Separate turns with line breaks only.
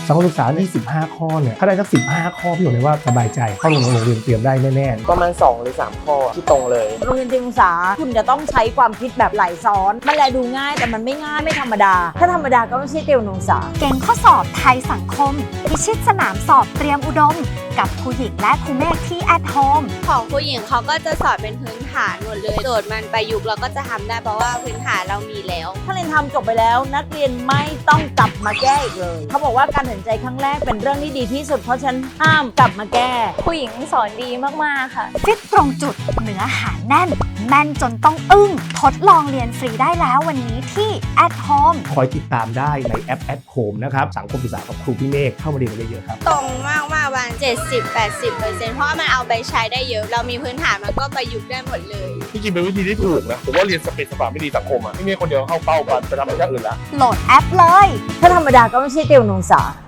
สังคมศึกษาที่15 ข้อเนี่ยถ้าได้สัก15 ข้อพี่บอกเลยว่าสบายใจเข้าโรงเรียนเตรียมได้แน่ๆ
ประมาณ2 หรือ 3 ข้อที่ตรงเลย
โรงเรียนเตรียมศึกษาคุณจะต้องใช้ความคิดแบบไหลซ้อนมันแลดูง่ายแต่มันไม่ง่ายไม่ธรรมดาถ้าธรรมดาก็ไม่ใช่เตรียมศึกษา
เก่งข้อสอบไทยสังคมพิชิตสนามสอบเตรียมอุดมกับครูหญิงและครูเมฆที่ at home
ของครูหญิงเขาก็จะสอนเป็นพื้นฐานหมดเลยโจทย์มันประยุกต์เราก็จะทำได้เพราะว่าพื้นฐานเรามีแล้ว
ถ้าเรียนทำจบไปแล้วนักเรียนไม่ต้องกลับมาแก้อีกเลยเขาบอกว่าการตัดสินใจครั้งแรกเป็นเรื่องที่ดีที่สุดเพราะฉะนั้นห้ามกลับมาแก้
ผู้หญิงสอนดีมากๆค่ะ
ฟิตตรงจุดเนื้อหาแน่นแม่นจนต้องอึ้งทดลองเรียนฟรีได้แล้ววันนี้ที่ at home
คอยติดตามได้ในแอป at home นะครับสังคมศึกษากับครูพี่เมฆเข้ามาเรียนกันเยอะๆครับ
ตรงมากประมาณ70-80%เพราะว่ามันเอาไปใช้ได้เยอะเรามีพื้นฐานมันก็ประยุกต์ได้หมดเลย
ที่จริงเป็นวิธีที่ถูกนะผมว่าเรียนสเปซสปาไม่ดีสังคมอ่ะไม่มีคนเดียวเข้าเป้ากันไปทำอะไรอย่างอื่นละ
โหลดแอปเลย
ถ้าธรรมดาก็ไม่ใช่เตรียมศึกษา